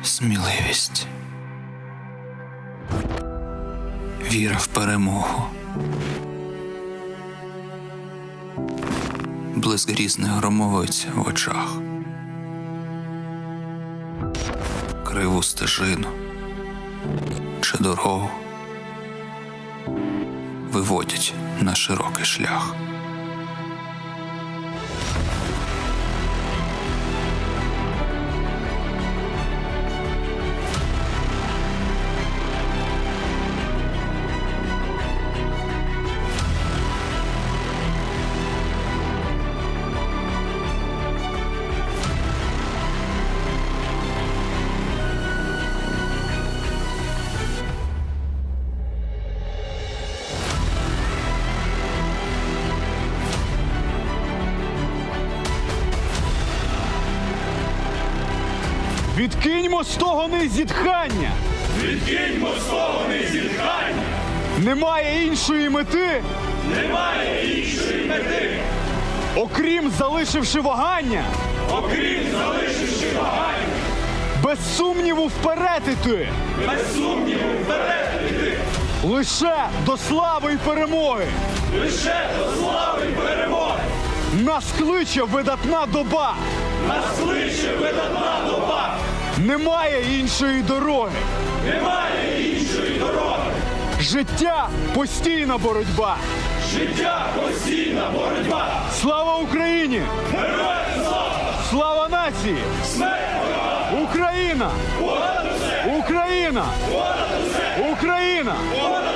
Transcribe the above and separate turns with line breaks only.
сміливість, віра в перемогу, блиск грізних громовиць в очах, криву стежину чи дорогу виводять на широкий шлях.
Відкиньмо стогони зітхання!
Відкиньмо стогони зітхання!
Немає іншої мети,
Немає іншої мети,
окрім залишивши вагання,
окрім залишивши вагання,
без сумніву вперед іти,
без сумніву вперед іти,
лише до слави й перемоги.
лише до слави й перемоги.
Нас кличе видатна доба,
Нас кличе видатна доба,
немає іншої дороги.
немає іншої дороги.
Життя – постійна боротьба.
Життя – постійна боротьба.
Слава Україні!
Героям слава!
Слава нації!
Смерть ворогам!
Україна!
Понад усе!
Україна!
Понад усе!
Україна!
Понад